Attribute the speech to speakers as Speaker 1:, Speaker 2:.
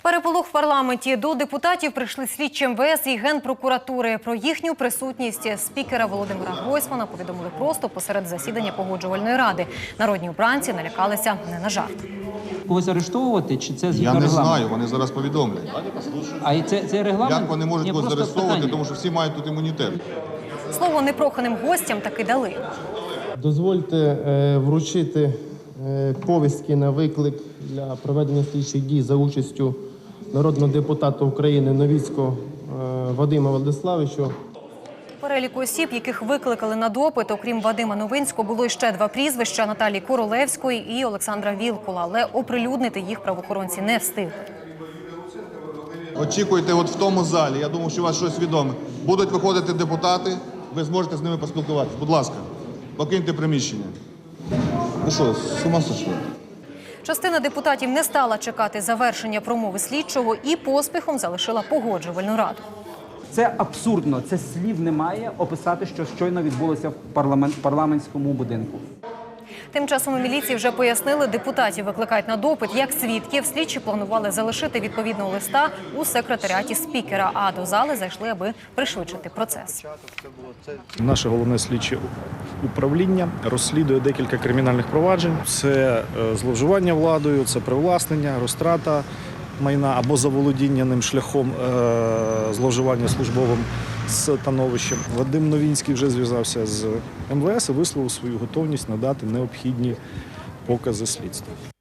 Speaker 1: Переполох в парламенті. До депутатів прийшли слідчі МВС і Генпрокуратури. Про їхню присутність спікера Володимира Гройсмана повідомили просто посеред засідання Погоджувальної ради. Народні обранці налякалися не на жарт.
Speaker 2: Когось арештовувати, чи це згідно
Speaker 3: Я не
Speaker 2: регламенту?
Speaker 3: знаю, вони зараз повідомлять.
Speaker 2: А це регламент?
Speaker 3: Як вони можуть
Speaker 2: Ні,
Speaker 3: когось
Speaker 2: просто
Speaker 3: заарештовувати,
Speaker 2: питання.
Speaker 3: тому що всі мають тут імунітет.
Speaker 1: Слово непроханим гостям таки дали.
Speaker 4: Дозвольте вручити повістки на виклик для проведення слідчих дій за участю народного депутата України Новицького Вадима Владиславовича.
Speaker 1: В переліку осіб, яких викликали на допит, окрім Вадима Новинського, було ще два прізвища – Наталії Королевської і Олександра Вілкула. Але оприлюднити їх правоохоронці не встигли.
Speaker 3: Очікуйте от в тому залі, я думаю, що у вас щось відоме. Будуть виходити депутати, ви зможете з ними поспілкуватися. Будь ласка, покиньте приміщення. Ви що, з ума сошли?
Speaker 1: Частина депутатів не стала чекати завершення промови слідчого і поспіхом залишила Погоджувальну раду.
Speaker 2: Це абсурдно, це слів немає описати, що щойно відбулося в парламентському будинку.
Speaker 1: Тим часом у міліції вже пояснили, депутатів викликають на допит як свідків. Слідчі планували залишити відповідного листа у секретаріаті спікера, а до зали зайшли, аби пришвидшити процес.
Speaker 5: Наше головне слідче управління розслідує декілька кримінальних проваджень. Це зловживання владою, це привласнення, розтрата майна або заволодіння ним шляхом зловживання службовим становищем. Вадим Новинський вже зв'язався з МВС і висловив свою готовність надати необхідні покази слідства.